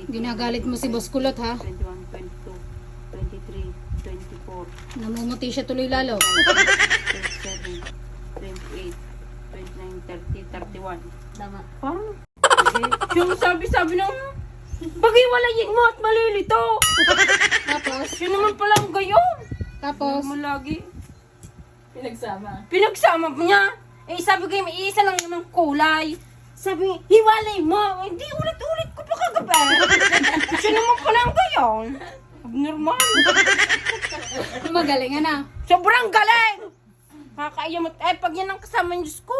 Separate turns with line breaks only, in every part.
Ginagalit mo si Boss Kulot ha.
21, 22, 23, 24,
Namumuti siya tuloy lalo.
27, 28, 29, 30, 31.
Tama.
Parang, yung sabi nung, pag-iwalayin mo at malilito.
Tapos,
Yun naman palang gayon.
tapos,
Mo lagi.
Pinagsama.
Pinagsama mo niya. Eh, sabi ko, may isa lang naman kulay. Sabi niya, hiwalay mo. Hindi, ulit-ulit ko pa kagabi. Siya naman palang gayon. Abnormal.
magaling na.
Sobrang galing. Kakaiya mo. Eh, pag yan ang kasama niyo, Diyos ko.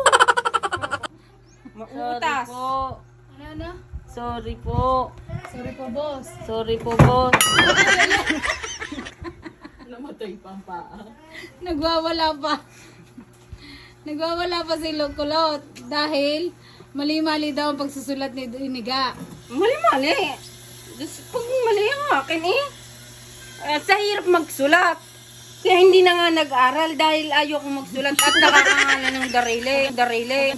Mautas.
Ano?
Sorry po.
Sorry po, boss.
Sorry po, boss.
Namatay pa ang paa.
Nagwawala pa. Nagwawala pa si Kulot dahil mali-mali daw ang pagsusulat ni Iniga.
Mali-mali. Pag mali ang akin eh. Sa hirap magsulat. Kaya hindi na nga nag-aral dahil ayoko magsulat at nakakangalan ng darili.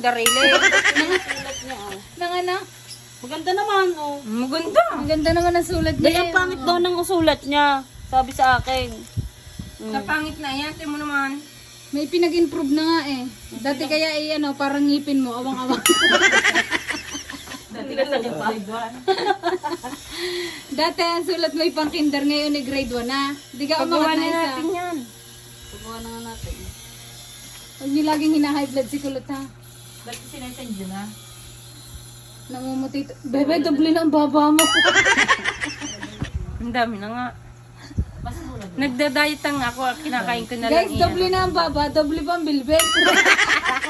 Nang ano?
Maganda naman, oh.
Maganda.
Ang ganda naman ang sulat niya.
Dahil ang pangit daw ng usulat niya. Sabi sa akin.
Napangit na yan. Tingnan mo naman.
May pinag-improve na nga eh. Dati kaya ano, parang ngipin mo, awang-awang.
Dati ka sa grade 1.
Dati ang sulat mo pang kinder, ngayon ay grade 1 na. Di ka
Pagawa
umangat
na
na isa.
natin yan.
Pagawa na nga natin.
Huwag niyo laging hina-high blood si Kulot ha.
Dati sinasend yun, ha?
Namumuti. Bebe, doble na ang baba mo.
Ang dami na nga.
Mas mura.
Nagda-diet nga ako. Kinakain ko na lang
Guys, doble na ang baba, doble pa ang bilbil.